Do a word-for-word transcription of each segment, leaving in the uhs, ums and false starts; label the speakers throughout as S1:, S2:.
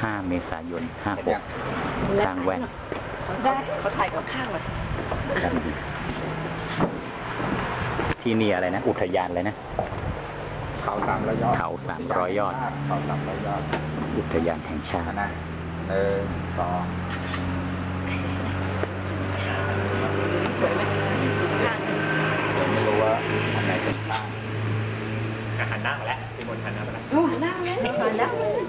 S1: ห้าเมษายนห้าหกทางแว่น
S2: ได้เขาถ่ายกับข้างเลย
S1: ที่นี่อะไรนะอุทยานอะไรนะ
S3: เขาสามร้อยยอด
S1: เขาสามร้อยยอด
S3: เขาสามร้อยยอด
S1: อุทยานแห่งชาติ
S3: นะหนึ่งสอง
S2: สวยไหมข้าง
S3: ผมไม่รู้ว่าอันไหนเป็นข้าง
S1: หันหน้ามาแล้วพี่มนหันหน้ามาแล้ว
S2: โอ้หันหน้าเลยหันหน้าเลย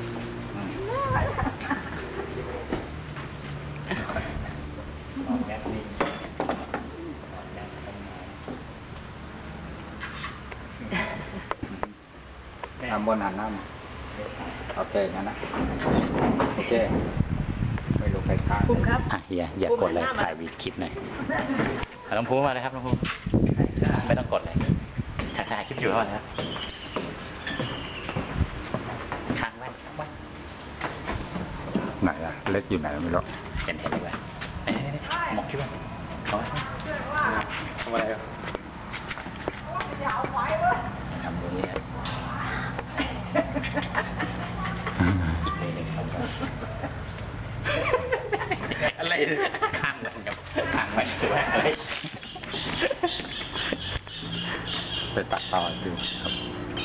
S3: ทำบนหันหน้ามาโอเคงั้นนะโอเคไม่รู้ใครข้าง
S2: ภูมิครับ
S1: อ่ะอย่าอย่ากดเลยถ่ายวีคลิปหน่อยน้องภูมิมาเลยครับน้องภูมิไม่ต้องกดเลยถ่ายคลิปอยู่แล้วนะครับข้างแว่น
S3: ไหนอะเล็กอยู่ไหนไม่รู้
S1: เห็นเห็นดีกว่าหมอกคิดว่าเขาทำอะไรอ่ะทำตรงนี้อะไรข้างกันกับข้างมันคืออะไร
S3: ไปตัดต่อดูครับ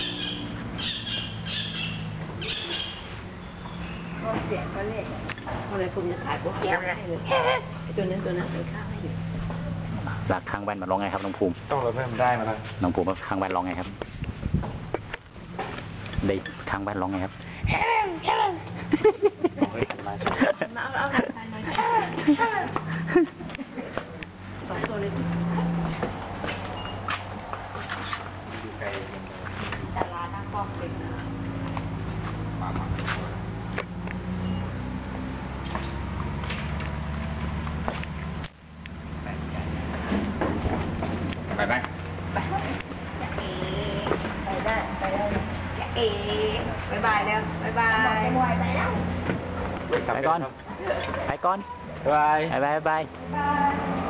S2: เสียงก็เล็กอะไรผมจะถ่ายพวกแก้วให้เลยตัวนั้นตัวนั้นไปข้างให้อยู่
S1: หลักข้างแว่นมาร้องไงครับน้องภูมิ
S3: ต้องเราเพิ่มได้มาแล้ว
S1: น้องภูมิข้างแว่นร้องไงครับได้ข้างแว่นร้องไงครับ
S2: มาเอาเอาถ่ายหน่อยสองตัวเลยดาราหน้ากล้องเป็น
S3: มามาไปไหม
S2: ไปไปได้ไปได้เอ๋บายบายแล้วบายบายบายไปแล้ว
S1: ไปก่อนไปก่อน
S3: บาย
S1: บายบาย
S2: บาย